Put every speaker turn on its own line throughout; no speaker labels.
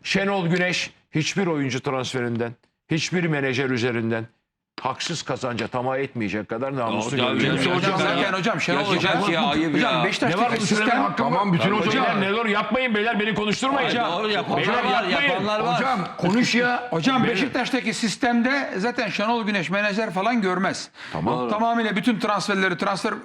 Şenol Güneş hiçbir oyuncu transferinden, hiçbir menajer üzerinden haksız kazanca tamah etmeyecek kadar namuslu görünüyor.
Hocam Şenol Hoca
Ne var
Beşiktaş'taki
bu söylemenin
sistem
hakkım var.
Tamam, bütün
Hocam
hocalar-
ne olur yapmayın beyler, beni konuşturmayın.
Doğru, yapanlar
Beyler
var,
yapmayın.
yapanlar var.
Hocam konuş ya.
Hocam Beşiktaş'taki sistemde zaten Şenol Güneş menajer falan görmez.
Tamam.
Tamamıyla bütün transferleri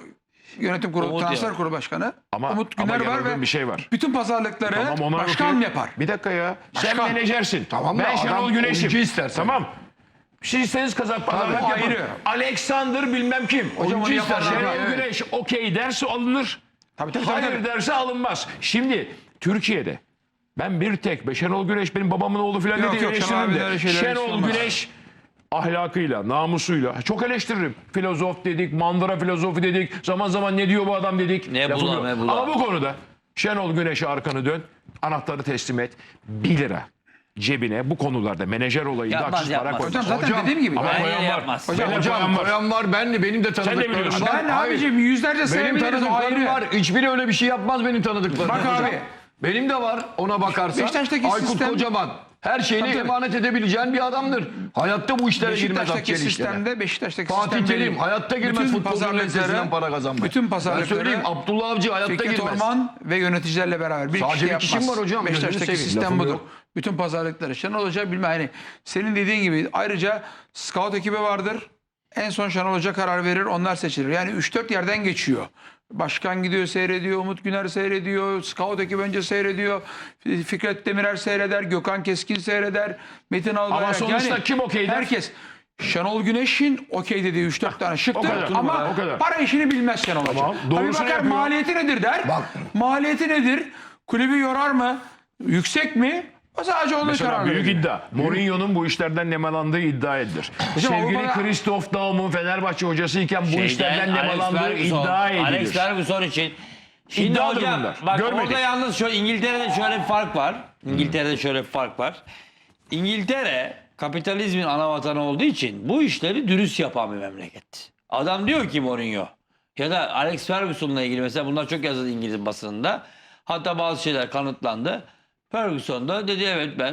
yönetim kurulu,
Umut
transfer
ya.
kurulu başkanı
Ama-
Umut
ama
Güner var
yanıldığım
ve
bir şey var.
bütün pazarlıkları
Tamam, ona
başkan
okey.
yapar.
Bir dakika ya. Sen
Başkan.
menajersin.
Tamam da
ben
adam
Şenol
oyuncu
Güneş'im.
istersen.
Tamam. Siz istediğiniz kadar pazarlık
o
yapın.
ayrı.
Alexander bilmem kim.
Hocam onu yaparlar.
Şenol
Evet.
Güneş okey derse alınır.
Tabii.
Hayır derse alınmaz. Şimdi Türkiye'de ben bir tek Şenol Güneş benim babamın oğlu falan
Yok,
diye
yok, Şenol
eleştiririm
abi öyle
de.
şeyler
Şenol
olmaz.
Güneş ahlakıyla, namusuyla çok eleştiririm. Filozof dedik, mandıra filozofu dedik. Zaman zaman ne diyor bu adam dedik.
Ne
Lafı
bula,
yok.
ne bula.
Ama bu konuda Şenol Güneş'e arkanı dön, anahtarı teslim et. 1 lira cebine bu konularda menajer olayında
Yapmaz,
haksız para
yapmaz.
koy.
Hocam zaten
Hocam,
dediğim gibi.
Ama
Bence
koyan var.
yapmaz.
Beyler
Hocam
koyan var.
koyan var. Benim de tanıdıklarım
biliyorsun.
var.
Ben
Hayır.
abicim yüzlerce
Benim
sevmeyiz o
tanıdıklarım
ayrı.
var. Hiçbiri öyle bir şey yapmaz benim tanıdıklarım.
Bak
Hocam,
abi.
Benim de var ona bakarsan.
Beşiktaş'taki
Aykut
sistem-
Kocaman. Her şeyini
Tabii.
emanet edebileceğin bir adamdır. Hayatta bu işlere girmez.
Beşiktaş'taki
Abdülkadir işlere.
sistemde Beşiktaş'taki
Fatih
sistemde
Terim hayatta girmez futbolun lezzetine para kazanmaya.
bütün
Ben
pazarlıkları
söyleyeyim Abdullah Avcı hayatta
Fikret
girmez.
Orman ve yöneticilerle beraber bir
Sadece
kişi
bir kişim
yapmaz.
var hocam, gözünü
Beşiktaş'taki
seveyim,
sistem
lafım
budur.
yok.
Bütün pazarlıkları. Şenol Hoca bilmem hani senin dediğin gibi ayrıca scout ekibi vardır. En son Şenol Hoca karar verir, onlar seçilir. Yani 3-4 yerden geçiyor. Başkan gidiyor seyrediyor, Umut Güner seyrediyor, scout ekibi önce seyrediyor, Fikret Demirer seyreder, Gökhan Keskin seyreder, Metin Albayrak.
Ama sonuçta kim okey der?
Herkes. Şenol Güneş'in okey dediği 3-4 tane şıktır
o kadar,
ama
o kadar.
para işini bilmez Şenol Hoca.
Tamam,
Tabii
doğrusunu
bakar
yapıyor.
maliyeti nedir der. Maliyeti nedir? Kulübü yorar mı? Yüksek mi? O sadece onun
Mesela
karar
büyük
verir.
iddia. Mourinho'nun bu işlerden nemalandığı iddia edilir.
Hocam
Sevgili
Avrupa'da-
Christoph Daum'un Fenerbahçe hocasıyken bu işlerden nemalandığı iddia edilir.
Alex Ferguson için. Şimdi
İddiadır
hocam
bunlar.
bak
Görmedik.
orada yalnız İngiltere'de şöyle bir fark var. İngiltere'de şöyle bir fark var. İngiltere kapitalizmin ana vatanı olduğu için bu işleri dürüst yapan bir memleket. Adam diyor ki Mourinho ya da Alex Ferguson'la ilgili mesela bunlar çok yazıldı İngiliz basınında. Hatta bazı şeyler kanıtlandı. Ferguson da dedi evet ben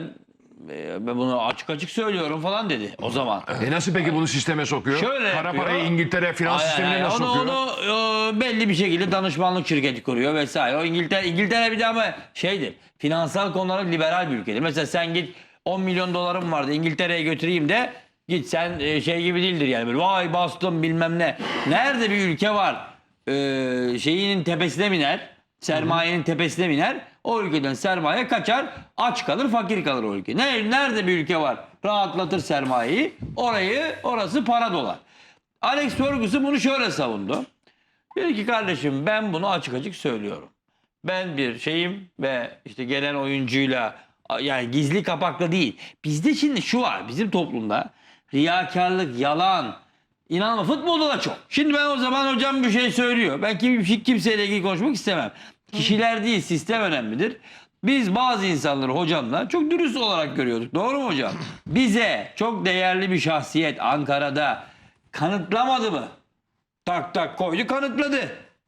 bunu açık açık söylüyorum falan dedi o zaman.
Nasıl peki bunu sisteme sokuyor?
Şöyle
Kara
yapıyor.
parayı İngiltere finans sistemine nasıl
onu,
sokuyor?
Onu belli bir şekilde danışmanlık şirketi kuruyor vesaire. O İngiltere bir de ama şeydir. Finansal konularda liberal bir ülkedir. Mesela sen git 10 milyon dolarım vardı İngiltere'ye götüreyim de git sen şey gibi değildir yani böyle vay bastım bilmem ne. Nerede bir ülke var şeyinin tepesine biner, sermayenin tepesine biner. O ülkeden sermaye kaçar, aç kalır, fakir kalır o ülke. Nerede bir ülke var rahatlatır sermayeyi, orası para dolar. Alex Ferguson bunu şöyle savundu. Dedi ki kardeşim ben bunu açık açık söylüyorum. Ben bir şeyim ve işte gelen oyuncuyla yani gizli kapaklı değil. Bizde şimdi şu var bizim toplumda riyakarlık, yalan, İnanma futbolda da çok. Şimdi ben o zaman hocam bir şey söylüyor. Ben kimseyle ilgili konuşmak istemem. Kişiler değil sistem önemlidir. Biz bazı insanları hocamla çok dürüst olarak görüyorduk. Doğru mu hocam? Bize çok değerli bir şahsiyet Ankara'da kanıtlamadı mı? Tak tak koydu kanıtladı.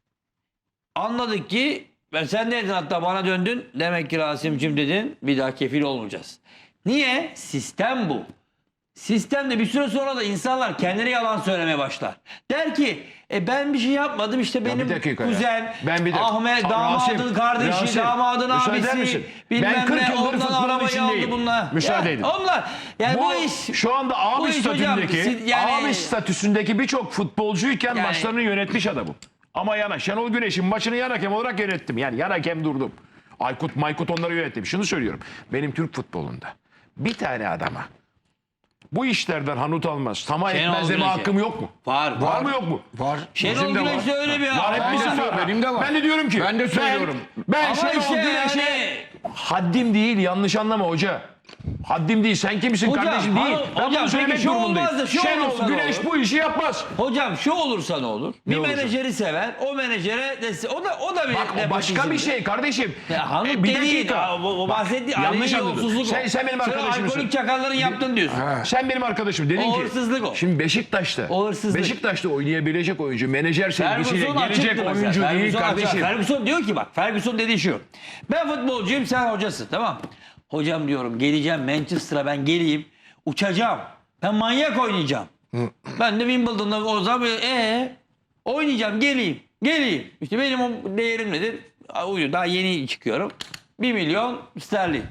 Anladık ki sen ne dedin hatta bana döndün. Demek ki Rasim'cim dedin bir daha kefil olmayacağız. Niye? Sistem bu. Sistemde bir süre sonra da insanlar kendileri yalan söylemeye başlar. Der ki ben bir şey yapmadım işte benim
bir dakika ya.
kuzen
Ben bir dakika.
Ahmet
Rasim,
damadın kardeşi
Rasim,
damadın
müsaade eder
abisi
misin?
bilmem
Ben 40
ne
yıldır
ondan
futbolun
arabayı
içindeyim.
aldı bunlar.
Müsaade edin.
Onlar yani bu iş
Şu anda
bu
abi
iş hocam,
statüsündeki
yani-
abi statüsündeki birçok futbolcuyken
Yani-
maçlarını yönetmiş adamım. Ama Şenol Güneş'in maçını yan hakem olarak yönettim. Yani yan hakem durdum. Maykut onları yönettim. Şunu söylüyorum. Benim Türk futbolunda bir tane adama bu işlerden hanut almaz, tamah
Şenol
etmez deme
Güneş'e.
hakkım yok mu?
var.
mı yok mu?
Var.
Şenol
Bizim de var.
Güneş'te öyle bir
Var, hepimizin
Var,
var.
benim de var.
Ben de diyorum ki.
Ben de söylüyorum.
Ben
Ama
Şenol
işte
Güneş'e
yani-
haddim değil, yanlış anlama hoca. Haddim değil, sen kimsin
Hocam,
kardeşim değil. Ben
hocam,
bunu söylemek
peki şu
durumundayım.
olmaz da şu
Şenol
olursa ne
Güneş
olur?
bu işi yapmaz.
Hocam şu olursa ne olur? Bir
olursa?
menajeri sever, o menajere o da bir
Bak o başka bir şey kardeşim.
Ya hanım
bir
dediğin,
dakika.
o bahsettiği
yanlış
aleni
anladın.
yolsuzluk o.
Sen benim arkadaşımsın.
alkolik çakalların yaptın diyorsun.
Sen benim arkadaşım dedin
O
ki.
hırsızlık o.
Şimdi Beşiktaş'ta.
O hırsızlık.
Beşiktaş'ta oynayabilecek oyuncu, menajer sevgisiyle
Ferguson
gelecek
açıktı
oyuncu
mesela.
değil
Ferguson
kardeşim.
Ferguson diyor ki bak Ferguson dediği şu. Ben futbolcuyum sen hocasın tamam. Hocam diyorum geleceğim Manchester'a, ben geleyim uçacağım. Ben manyak oynayacağım. Ben de Wimbledon'da o zaman oynayacağım, geleyim. İşte benim o değerim nedir? Daha yeni çıkıyorum. 1 milyon sterlin.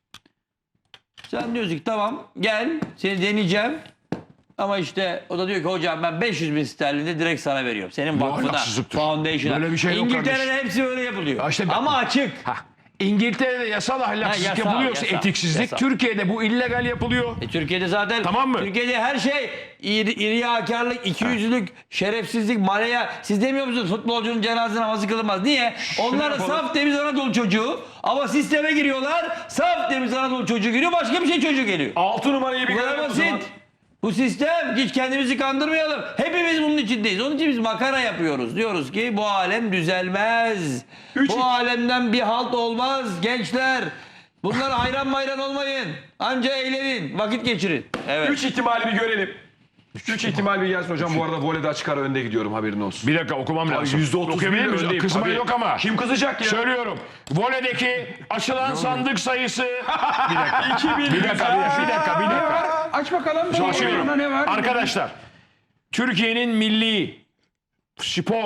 Sen diyorsun ki tamam gel seni deneyeceğim. Ama işte o da diyor ki hocam ben 500 bin sterlinde direkt sana veriyorum. Senin vakfına,
ahlaksızlıktır.
foundation'a.
Böyle bir şey yok
İngiltere'de
kardeşim.
hepsi öyle yapılıyor.
Ya işte
ama açık.
İngiltere'de yasal ahlaksızlık
yasal,
yapılıyorsa
yasal,
etiksizlik,
yasal.
Türkiye'de bu illegal yapılıyor.
Türkiye'de zaten
Tamam mı?
Türkiye'de her şey riyakarlık, ikiyüzlülük, şerefsizlik, malaya. Siz demiyor musunuz futbolcunun cenaze namazı kılınmaz? Niye? Onlar da saf temiz Anadolu çocuğu ama sisteme giriyorlar. Saf temiz Anadolu çocuğu giriyor, başka bir şey çocuğu geliyor.
6 numarayı bir
Bu kadar
görelim o zaman.
basit. Bu sistem, hiç kendimizi kandırmayalım. Hepimiz bunun içindeyiz. Onun için biz makara yapıyoruz. Diyoruz ki bu alem düzelmez. Bu alemden bir halt olmaz gençler. Bunlara hayran olmayın. Anca eğlenin, vakit geçirin. Evet.
3 ihtimali bir görelim. 3 ihtimal bir gelsin hocam. Bu arada voleyde açık ara önde gidiyorum, haberin olsun.
Bir dakika okumam lazım.
%31
Okuyabilir miyiz?
öndeyim.
Kızma
Tabii.
yok ama.
Kim kızacak ya?
Söylüyorum. Voleydeki açılan sandık sayısı... Bir dakika.
2000.
Bir dakika.
Aç bakalım.
Açıyorum.
Ne var?
Arkadaşlar, Türkiye'nin milli spor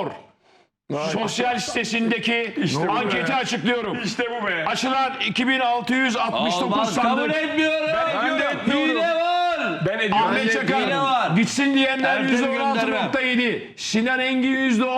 sosyal sitesindeki anketi açıklıyorum.
İşte bu be.
Açılan 2669
Olmaz, kabul
sandık.
etmiyorum.
Ben de
Hile var.
Ben ediyorum.
Ahmet
Hile
Çakar
var.
gitsin diyenler
Ertem
%16.7, Sinan Engin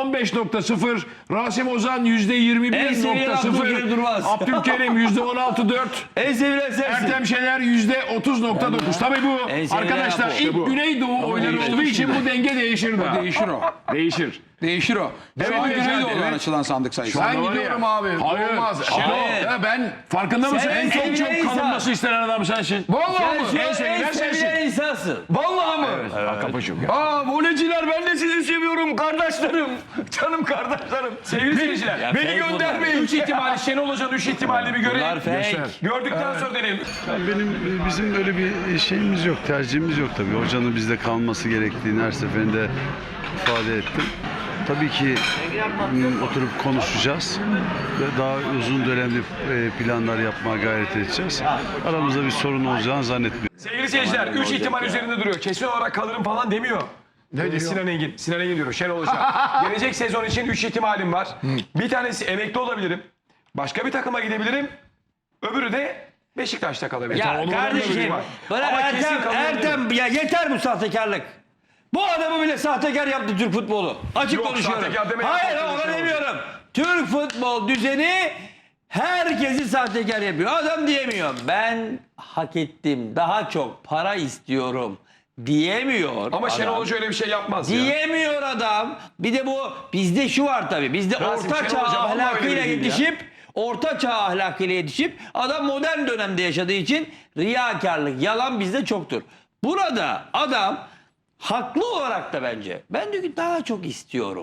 %15.0, Rasim Ozan
En sevilen Abdülkerim Durmaz.
%21.0, Abdülkerim %16.4,
En sevilen sensin.
Ertem Şener %30.9. Tabii bu
En sevilen
arkadaşlar
Apo.
ilk Güneydoğu oyları
değişti
olduğu için bu denge değişir daha.
Değişir o.
Değişir.
Değişir o. Şu an Güneydoğu'dan açılan sandık sayısı.
Şu an-
Ben gidiyorum abi.
Hayır.
Olmaz.
Hayır.
Ya ben
Farkında mısın?
Sen
En çok
sevilen insan.
kalınması istenen adam sensin.
vallahi
Sen
mı?
şu
En
an
sevilen
en
sensin.
sevilen insansın.
Vallahi mı?
Kapıcım ya.
Aa voleyciler ben de sizi seviyorum kardeşlerim. Canım kardeşlerim.
Sevgili seyirciler.
Ya
Beni
fake
göndermeyin.
3 ihtimali Şenol Hoca'nın 3 ihtimalini bir görelim.
Bunlar fake.
Gördükten sonra deneyelim.
Bizim öyle bir şeyimiz yok, tercihimiz yok tabii. Hocanın bizde kalması gerektiğini her seferinde ifade ettim. Tabii ki oturup konuşacağız ve daha uzun dönemli planlar yapmaya gayret edeceğiz. Aramızda bir sorun olacağını zannetmiyorum.
Sevgili seyirciler 3 ihtimal üzerinde duruyor. Kesin olarak kalırım falan demiyor. Ne diyor? Sinan Engin. Sinan Engin diyor. Şenol Hoca. Gelecek sezon için 3 ihtimalim var. Bir tanesi emekli olabilirim. Başka bir takıma gidebilirim. Öbürü de Beşiktaş'ta kalabilir.
Ya kardeşim bırak
Ama kesin
Ertem ya yeter bu sahtekarlık. Bu adamı bile sahtekar yaptı Türk futbolu. Açık
Yok,
konuşuyorum.
sahtekar deme
Hayır
ya,
ona
sahtekar
demiyorum. Türk futbol düzeni herkesi sahtekar yapıyor. Adam diyemiyor. Ben hak ettim. Daha çok para istiyorum diyemiyor.
Ama
adam.
Şenol Hoca öyle bir şey yapmaz ya.
Diyemiyor adam. Bir de bu bizde şu var tabii. Bizde
Rasim,
orta çağ
Şenol Hoca vallahi öyle
ahlakıyla
değil ya.
yetişip orta çağ ahlakıyla yetişip adam modern dönemde yaşadığı için riyakarlık, yalan bizde çoktur. Burada adam haklı olarak da bence ben diyor ki daha çok istiyorum.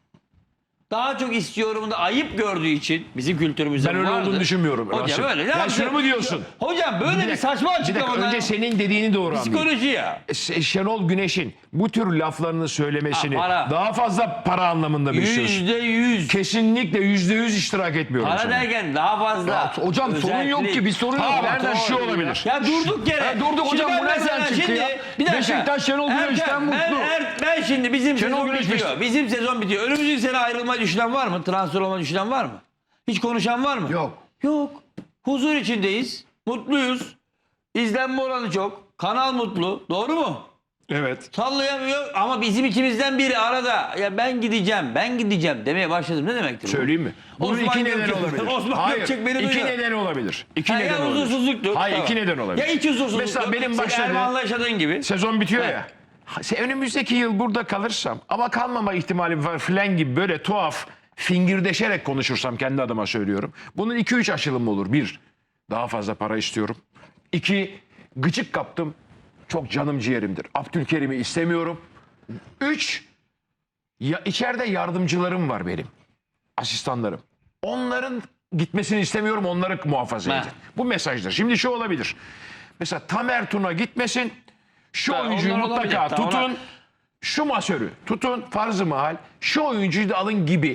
Daha çok istiyorum da ayıp gördüğü için bizim kültürümüzde
Ben öyle
vardır.
olduğunu düşünmüyorum.
Hocam
Rasim.
öyle. Ne
Ya
yapayım?
şunu mu diyorsun?
Hocam böyle bir saçma
Bir dakika
açıklamalar.
önce senin dediğini doğru anlayayım.
Psikoloji ya.
Şenol Güneş'in bu tür laflarını söylemesini
Ha, para.
daha fazla para anlamında mı istiyorsun?
%100.
Kesinlikle %100 iştirak etmiyorum
Para
sana.
derken daha fazla.
Hocam sorun yok ki bir sorun yok.
Ha,
Nereden
şu olabilir.
Ya durduk yere.
Ya durduk
Şimdi
hocam,
ben
bu nereden
mesela
çıktı ya?
Bir dakika.
Beşiktaş Şenol Güneş'ten mutlu.
Ben şimdi bizim
Şenol
sezon
Güneş
bitiyor. Bizim sezon bitiyor. Önümüzdeki sene ayrılmayı düşünen var mı? Transfer olmayı düşünen var mı? Hiç konuşan var mı?
Yok.
Yok. Huzur içindeyiz. Mutluyuz. İzlenme oranı çok. Kanal mutlu. Doğru mu?
Evet.
Sallayamıyor ama bizim ikimizden biri arada ya ben gideceğim demeye başladım. Ne demektir bu?
Söyleyeyim mi? Bunun
Osman
iki nedeni
Gökçek-
olabilir.
Osman
Hayır,
Gökçek beni
iki
duyuyor.
nedeni olabilir. İki
Ha,
neden
ya
olabilir.
huzursuzluktur.
Hayır,
Tamam.
iki neden olabilir.
Ya iç huzursuzluk.
Mesela benim
Senin
başladığım...
Erman'la yaşadığın gibi.
Sezon bitiyor ya. Önümüzdeki yıl burada kalırsam ama kalmama ihtimalim var filan gibi böyle tuhaf fingirdeşerek konuşursam kendi adıma söylüyorum. Bunun 2-3 aşılımı olur. 1. Daha fazla para istiyorum. 2. Gıcık kaptım. Çok canım ciğerimdir. Abdülkerim'i istemiyorum. 3. İçeride yardımcılarım var benim. Asistanlarım. Onların gitmesini istemiyorum. Onları muhafaza
Ha.
edin. Bu mesajdır. Şimdi şu olabilir. Mesela Tamer Tuna gitmesin. Şu
Ha,
oyuncuyu
onlar olabilir.
mutlaka
Tamam,
tutun.
onlar-
Şu masörü tutun. Farz-ı mahal. Şu oyuncuyu da alın gibi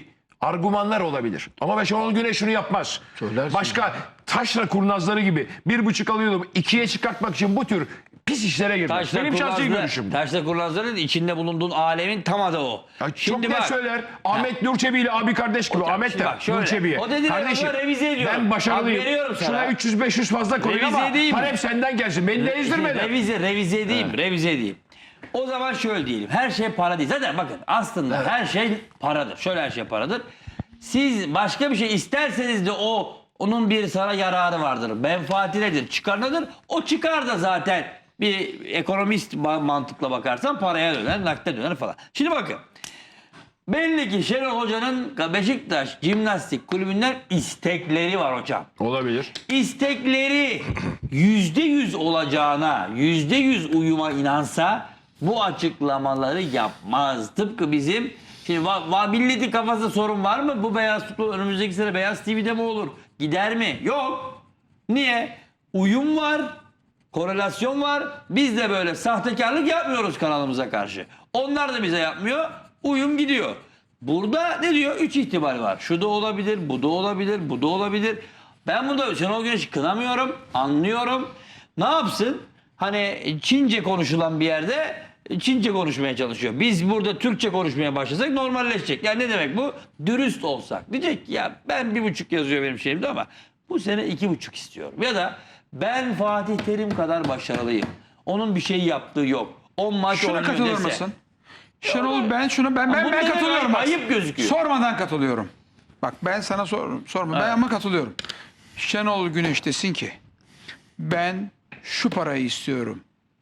argümanlar olabilir. Ama ben Şenol Güneş şunu yapmaz. Başka taşra kurnazları gibi 1,5 alıyordum 2'ye çıkartmak için bu tür pis işlere girmez. Benim şahsi görüşüm.
Taşla kurnazların içinde bulunduğun alemin tam adı o.
Ya çok net söyler. Ahmet Nurçebi ile abi kardeş gibi.
Hocam,
Ahmet
şimdi
de
bak şöyle,
Nurçebi'ye.
o dediğin
Kardeşim
adamı revize ediyorum.
ben başarılıyım.
Hak veriyorum sana.
Şuna 300-500 fazla koyayım
Revize
ama
edeyim mi?
talep senden gelsin. Beni de ezdirmeden.
Revize edeyim. O zaman şöyle diyelim. Her şey para değil. Zaten bakın aslında her şey paradır. Şöyle her şey paradır. Siz başka bir şey isterseniz de onun bir sana yararı vardır. Menfaati nedir? Çıkar nedir? O çıkar da zaten bir ekonomist mantıkla bakarsan paraya döner, nakde döner falan. Şimdi bakın. Belli ki Şenol Hoca'nın Beşiktaş Jimnastik Kulübü'nden istekleri var hocam.
Olabilir.
İstekleri %100 olacağına, %100 uyuma inansa bu açıklamaları yapmaz. Tıpkı bizim şimdi milletin kafasında sorun var mı? Bu beyaz futbol önümüzdeki sene Beyaz TV'de mi olur? Gider mi? Yok. Niye? Uyum var. Korelasyon var. Biz de böyle sahtekarlık yapmıyoruz kanalımıza karşı. Onlar da bize yapmıyor. Uyum gidiyor. Burada ne diyor? 3 ihtimal var. Şu da olabilir, bu da olabilir, bu da olabilir. Ben burada Şenol Güneş'i kınamıyorum, anlıyorum. Ne yapsın? Hani Çince konuşulan bir yerde Çince konuşmaya çalışıyor. Biz burada Türkçe konuşmaya başlasak normalleşecek. Yani ne demek bu? Dürüst olsak. Diyecek ki ya ben 1,5 yazıyor benim şeyimde ama bu sene 2,5 istiyorum. Ya da ben Fatih Terim kadar başarılıyım. Onun bir şey yaptığı yok. 10 maç
Şuna
oynuyor
katılır
dese.
mısın? Şenol ben
Bunlar
katılıyorum. Bak.
ayıp gözüküyor.
Sormadan katılıyorum. Bak ben sana sorma. Ben ama katılıyorum. Şenol Güneş desin ki ben şu parayı istiyorum.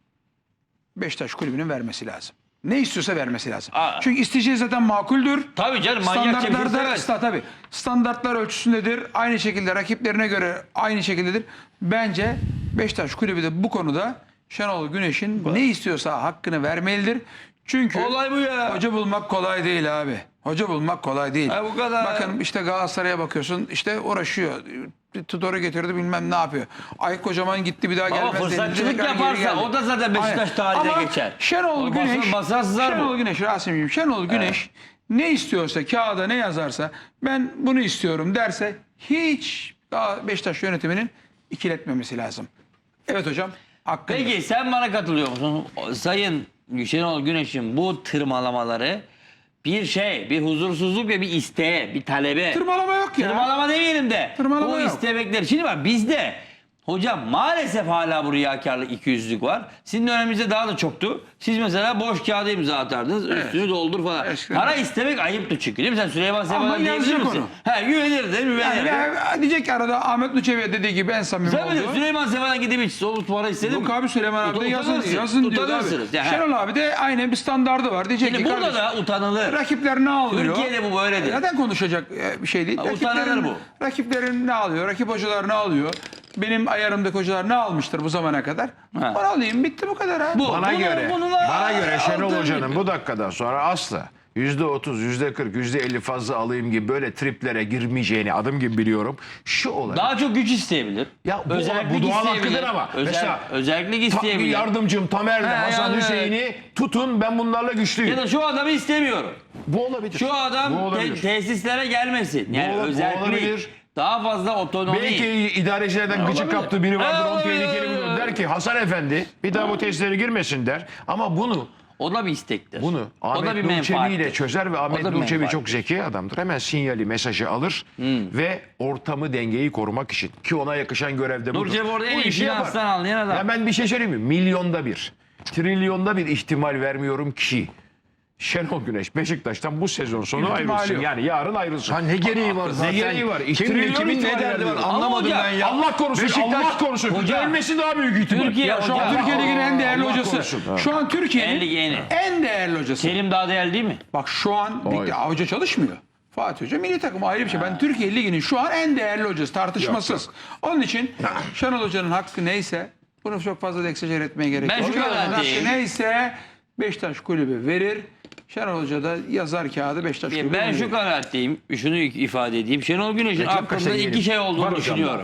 Beşiktaş kulübünün vermesi lazım. Ne istiyorsa vermesi lazım. Çünkü isteyeceği zaten makuldür.
Tabii canım manyakça bir şey
Tabii. Standartlar ölçüsündedir. Aynı şekilde rakiplerine göre aynı şekildedir. Bence Beşiktaş kulübü de bu konuda Şenol Güneş'in ne istiyorsa hakkını vermelidir. Çünkü
Olay bu ya.
hoca bulmak kolay değil abi. Hoca bulmak kolay değil.
Ha, bu kadar.
Bakın işte Galatasaray'a bakıyorsun işte uğraşıyor. Tudor'u getirdi bilmem ne yapıyor. Ay Kocaman gitti bir daha
Ama
gelmez.
fırsatçılık
denildi, tekrar geri
yaparsa
geldi.
o da zaten Beşiktaş
Aynen.
tarihine
Ama
geçer.
Şenol
O
Güneş,
basar
Şenol
bu.
Güneş, Rasim'ciğim, Şenol Güneş ne istiyorsa, kağıda ne yazarsa ben bunu istiyorum derse hiç daha Beşiktaş yönetiminin ikiletmemesi lazım. Evet hocam. Hakkında.
Peki sen bana katılıyor musun? Sayın Şenol Güneş'in bu tırmalamaları bir huzursuzluk ve bir isteğe, bir talebe.
Tırmalama yok ya.
Tırmalama demeyelim de.
Tırmalama
bu
yok.
istemekler. Şimdi bak bizde hocam maalesef hala bu riyakarlık, ikiyüzlülük var. Sizin döneminizde daha da çoktu. Siz mesela boş kağıda imza atardınız. Üstünü doldur falan.
Eskiden.
Para istemek ayıptı çünkü değil mi? Sen Süleyman Seba'dan diyebilir
yazacak
misin?
onu.
He güvenirdim, güvenirdim.
Yani diyecek ki arada Ahmet Nuçevi'ye dediği gibi en samimi
Sen bilir,
oldu.
Süleyman Seba'dan gidip hiç soğuk para istedin mi?
Yok abi Süleyman abi de
Utanırsın,
yazın diyor abi.
utanırsınız. Yani,
Şenol abi de aynen bir standardı var. Diyecek
Şimdi
ki
burada
kardeşim,
da utanılır.
rakipler ne alıyor?
Türkiye'de bu böyledir.
Neden konuşacak bir şey değil.
Utanılır bu.
Rakiplerin ne alıyor? Rakip hocalar ne alıyor? Benim ayarımdaki hocalar ne almıştır bu zamana kadar?
Ha.
Onu alayım bitti bu kadar ha.
Bana göre Şenol Hoca'nın bu dakikadan sonra asla %30, %40, %50 fazla alayım gibi böyle triplere girmeyeceğini adım gibi biliyorum. Şu olabilir.
Daha çok güç isteyebilir.
Ya bu doğal hakkıdır ama. Mesela
özellik isteyebilir.
yardımcım Tamer'le Hasan
yani
Hüseyin'i tutun ben bunlarla güçlüyüm.
Ya da şu adamı istemiyorum.
Bu olabilir.
Şu adam
Bu olabilir.
tesislere gelmesin. Yani
Bu
özellik.
olabilir.
Daha fazla otonomi.
Belki idarecilerden gıcık
olabilir.
kaptığı biri vardır. Onu
Olabilir.
tehlikeli bulur. Der ki Hasan Efendi bir daha bu testlere girmesin der. Ama
O da bir istektir. o da
Ahmet
bir
Nurçebi ile
menfaattir.
çözer ve Ahmet
bir
Nurçebi
menfaat.
çok zeki adamdır. Hemen sinyali, mesajı alır ve ortamı, dengeyi korumak için ki ona yakışan görevde budur.
Nurçebi orada en
Bu
iyi
işi yapar.
finanstan anlayan adam.
Ya ben bir şey söyleyeyim mi? Milyonda bir, trilyonda bir ihtimal vermiyorum ki Şenol Güneş Beşiktaş'tan bu sezon sonu
İhtimali
ayrılsın.
yok.
Yani yarın ayrılsın.
Ne gereği var zaten?
Ne gereği var?
Kimin ne derdi var anlamadım
hocam,
ben ya.
Allah korusun, Allah korusun.
Hocam.
Ölmesi daha büyük ihtimal.
Türkiye
Ya şu an
hocam.
Türkiye Ligi'nin en değerli
Allah
hocası.
korusun. Ha.
Şu an Türkiye'nin
Yeni.
en değerli hocası.
Terim daha değerli değil mi?
Bak şu an
Hayır.
hoca çalışmıyor. Fatih Hoca milli takım ayrı bir şey. Ben Türkiye Ligi'nin şu an en değerli hocası tartışmasız. Onun için Şenol Hoca'nın hakkı neyse bunu çok fazla da egzajer etmeye gerek
Ben
yok.
şu
Şenol Hoca'nın
kanaatindeyim.
hakkı neyse Beşiktaş kulübü verir. Şenol Hoca da yazar kağıdı Beşiktaş kulübü
Ben
verir.
şu kanaatteyim. Şunu ifade edeyim. Şenol Güneş'in aklında iki şey olduğunu düşünüyorum.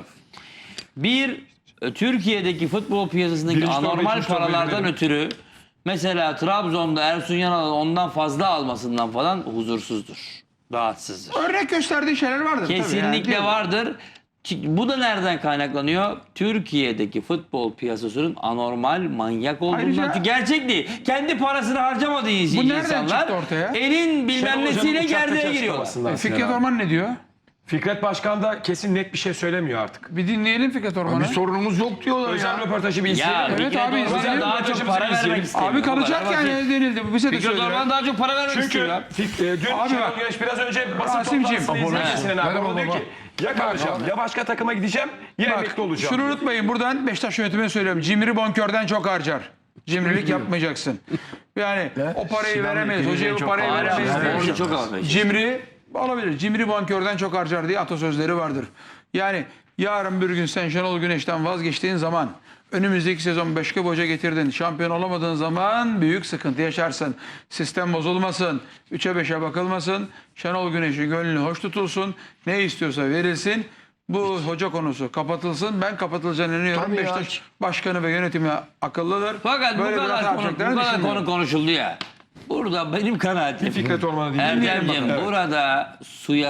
Bir, Türkiye'deki futbol piyasasındaki
Birinci torba,
anormal
ikinci torba
paralardan
verelim.
ötürü mesela Trabzon'da Ersun Yanal'ın ondan fazla almasından falan huzursuzdur. rahatsızdır.
Örnek gösterdiği şeyler vardır. tabii
Kesinlikle
yani.
vardır. Bu da nereden kaynaklanıyor? Türkiye'deki futbol piyasasının anormal, manyak olduğundan.
Ayrıca-
Çünkü gerçek değil. Kendi parasını harcamadığı
Bu nereden
insanlar
çıktı ortaya?
elin bilmem
Şenol
nesiyle
Hoca'nın
gerdeğe
uçaktaki
giriyorlar.
açıklamasından
Fikret
Sinan abi.
Orman ne diyor?
Fikret Başkan da kesin net bir şey söylemiyor artık.
Bir dinleyelim Fikret Orman'ı.
Bir sorunumuz yok diyorlar
Özel
ya.
röportajı bir izleyelim.
Ya
mi?
Evet
Fikret
abi,
Orman'a
izleyelim.
daha çok
Röportajımızı
para
izleyelim.
vermek istemiyor.
Abi
Bu kadar
kalacak
basit.
yani denildi. Bize de
Fikret
söylüyor.
Orman'a daha çok para vermek
Çünkü
istiyor ya.
dün
Abi
Şenol
bak.
Güneş biraz önce basın
Rasimciğim.
toplantısını izlerken Sinan abi
Merhaba
o diyor
baba.
ki ya kalacağım ya başka takıma gideceğim ya emekli olacağım.
Şunu unutmayın, buradan Beşiktaş yönetimine söylüyorum. Cimri bonkörden çok harcar. Cimrilik yapmayacaksın. Yani o parayı veremeyiz. Hocaya bu parayı veremeyiz.
Orada
diye.
çok avantajlı.
Cimri olabilir. Cimri bonkörden çok harcar diye atasözleri vardır. Yani yarın bir gün sen Şenol Güneş'ten vazgeçtiğin zaman, önümüzdeki sezon başka bir hoca getirdin, şampiyon olamadığın zaman büyük sıkıntı yaşarsın. Sistem bozulmasın, 3'e 5'e bakılmasın, Şenol Güneş'in gönlü hoş tutulsun, ne istiyorsa verilsin. Bu hoca konusu kapatılsın. Ben kapatılacağını inanıyorum.
Tabii ya.
Beşiktaş başkanı ve yönetimi akıllıdır.
Fakat
Böyle
bu
bir hata
kadar konu,
yapacaklarını
bu kadar
düşünmüyorum.
konu konuşuldu ya. Burada benim kanaatim.
Fikret Orman'ı dinleyelim.
Erdemciğim
Evet.
burada suya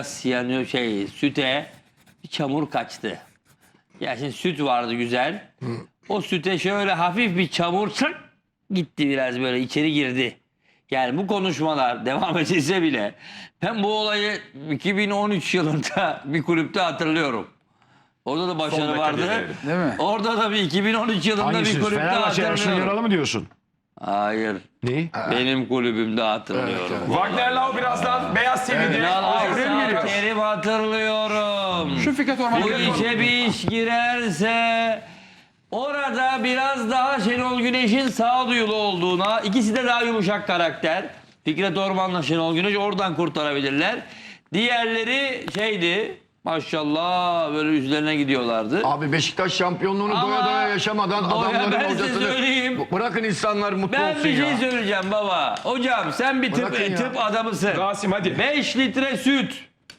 süte bir çamur kaçtı. Ya şimdi süt vardı güzel. O süte şöyle hafif bir çamur gitti, biraz böyle içeri girdi. Yani bu konuşmalar devam edilse bile ben bu olayı 2013 yılında bir kulüpte hatırlıyorum. Orada da başarı
dakika
vardı.
diyelim.
Değil mi?
Orada da bir 2013 yılında
Hangisi?
bir kulüpte
Fenerbahçe Ersun
hatırlıyorum.
Yanal'ı mı diyorsun?
Hayır.
Neyi?
Benim kulübümde hatırlıyorum.
Wagner Lau birazdan Beyaz TV'de.
Ünal
Oraya mı geliyor?
Aysal Kerim hatırlıyorum.
Şu Fikret Orman'ı
Bu işe bir iş girerse orada biraz daha Şenol Güneş'in sağduyulu olduğuna, ikisi de daha yumuşak karakter. Fikret Orman'la Şenol Güneş oradan kurtarabilirler. Diğerleri şeydi, maşallah böyle üzerine gidiyorlardı.
Abi Beşiktaş şampiyonluğunu
Ama
doya doya yaşamadan
doya ben
adamların
size
hocasını
söyleyeyim.
bırakın insanlar mutlu
Ben
olsun
bir şey
ya.
söyleyeceğim baba. Hocam sen bir
Bırakın ya.
tıp adamısın.
Rasim hadi.
5 litre süt,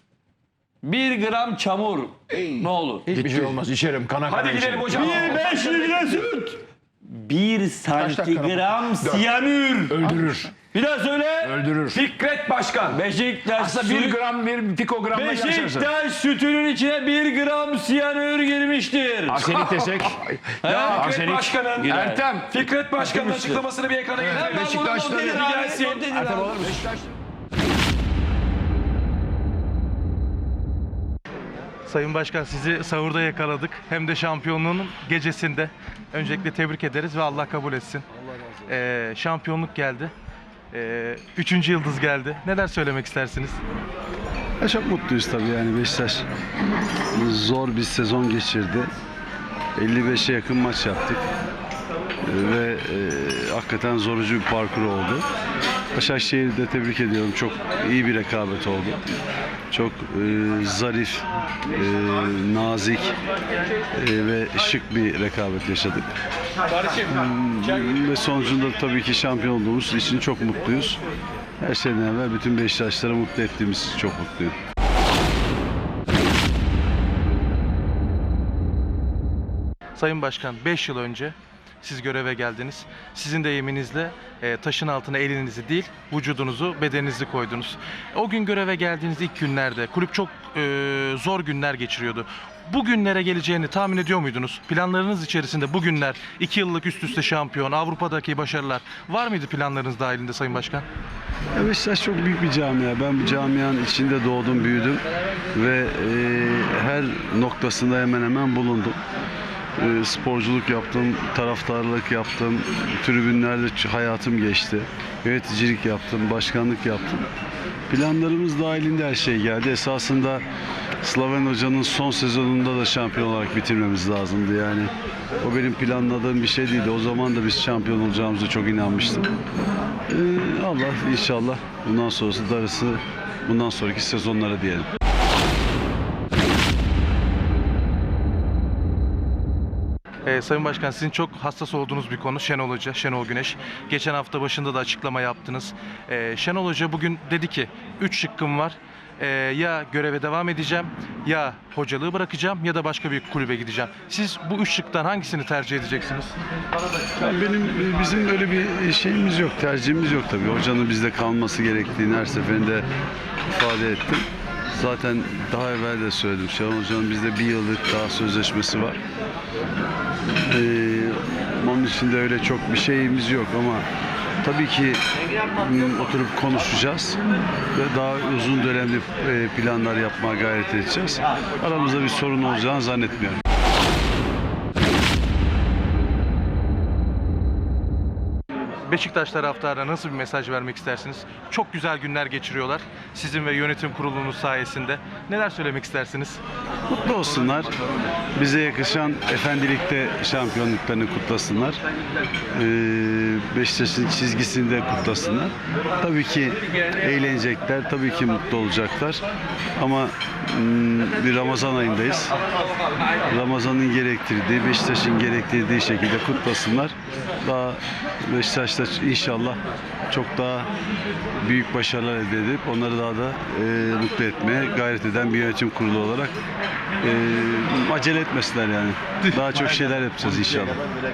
1 gram çamur. Ne olur?
Hiçbir şey olmaz. İçerim kana kana
Hadi gidelim
içerim.
hocam.
5 litre süt. 1 santigram siyanür.
Öldürür.
Bir daha söyle.
Öldürür.
Fikret Başkan.
Beşiktaş
Aslında 1 gram bir pikogramla yaşarsın.
Beşiktaş sütünün içine 1 gram siyanür girmiştir.
Arsenik desek.
Fikret
Arsenik.
Başkan'ın
Güzel.
Ertem.
Fikret Başkan'ın açıklamasını bir ekrana getirelim.
Beşiktaş'ta
Bir gelsin.
Ertem olur mu?
Sayın Başkan, sizi sahurda yakaladık. Hem de şampiyonluğun gecesinde. Öncelikle tebrik ederiz ve Allah kabul etsin. Şampiyonluk geldi. 3. yıldız geldi. Neler söylemek istersiniz?
Ya çok mutluyuz tabii yani Beşiktaş zor bir sezon geçirdi. 55'e yakın maç yaptık. Ve hakikaten zorucu bir parkur oldu. Başakşehir'i de tebrik ediyorum. Çok iyi bir rekabet oldu. Çok zarif, nazik ve şık bir rekabet yaşadık. Ve sonucunda tabii ki şampiyon olduğumuz için çok mutluyuz. Her şeyden evvel bütün Beşiktaşları mutlu ettiğimiz için çok mutluyum.
Sayın Başkan, 5 yıl önce siz göreve geldiniz. Sizin de yeminizle taşın altına elinizi değil, vücudunuzu, bedeninizi koydunuz. O gün göreve geldiğiniz ilk günlerde kulüp çok zor günler geçiriyordu. Bu günlere geleceğini tahmin ediyor muydunuz? Planlarınız içerisinde bu günler, 2 yıllık üst üste şampiyon, Avrupa'daki başarılar var mıydı planlarınız dahilinde Sayın Başkan?
Ya Beşiktaş çok büyük bir camia. Ben bu camianın içinde doğdum, büyüdüm ve her noktasında hemen hemen bulundum. Sporculuk yaptım, taraftarlık yaptım, tribünlerde hayatım geçti. Yöneticilik yaptım, başkanlık yaptım. Planlarımız dahilinde her şey geldi. Esasında Slaven Hoca'nın son sezonunda da şampiyon olarak bitirmemiz lazımdı yani. O benim planladığım bir şey değildi. O zaman da biz şampiyon olacağımıza çok inanmıştım. Allah inşallah bundan sonrası darısı bundan sonraki sezonlara diyelim.
Sayın Başkan, sizin çok hassas olduğunuz bir konu Şenol Hoca, Şenol Güneş. Geçen hafta başında da açıklama yaptınız. Şenol Hoca bugün dedi ki 3 şıkkım var. Ya göreve devam edeceğim, ya hocalığı bırakacağım ya da başka bir kulübe gideceğim. Siz bu üç şıktan hangisini tercih edeceksiniz?
Bizim öyle bir şeyimiz yok, tercihimiz yok tabii. Hocanın bizde kalması gerektiğini her seferinde ifade ettim. Zaten daha evvel de söyledim. Şenol Hoca'nın bizde bir yıllık daha sözleşmesi var. Onun için de öyle çok bir şeyimiz yok ama tabii ki oturup konuşacağız ve daha uzun dönemli planlar yapmaya gayret edeceğiz. Aramızda bir sorun olacağını zannetmiyorum.
Beşiktaş taraftarına nasıl bir mesaj vermek istersiniz? Çok güzel günler geçiriyorlar. Sizin ve yönetim kurulunuz sayesinde. Neler söylemek istersiniz?
Mutlu olsunlar. Bize yakışan efendilikte şampiyonluklarını kutlasınlar. Beşiktaş'ın çizgisini de kutlasınlar. Tabii ki eğlenecekler, tabii ki mutlu olacaklar. Ama bir Ramazan ayındayız. Ramazan'ın gerektirdiği, Beşiktaş'ın gerektirdiği şekilde kutlasınlar. Daha Beşiktaş'ta inşallah çok daha büyük başarılar elde edip onları daha da mutlu etmeye gayret eden bir yönetim kurulu olarak acele etmesinler yani. Daha çok şeyler yapacağız inşallah.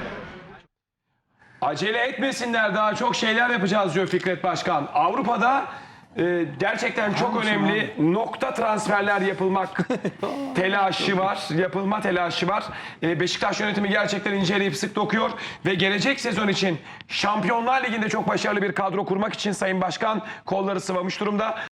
Acele etmesinler, daha çok şeyler yapacağız diyor Fikret Başkan. Avrupa'da gerçekten çok önemli nokta transferler yapılmak telaşı var. Yapılma telaşı var. Beşiktaş yönetimi gerçekten inceleyip sık dokuyor ve gelecek sezon için Şampiyonlar Ligi'nde çok başarılı bir kadro kurmak için Sayın Başkan kolları sıvamış durumda.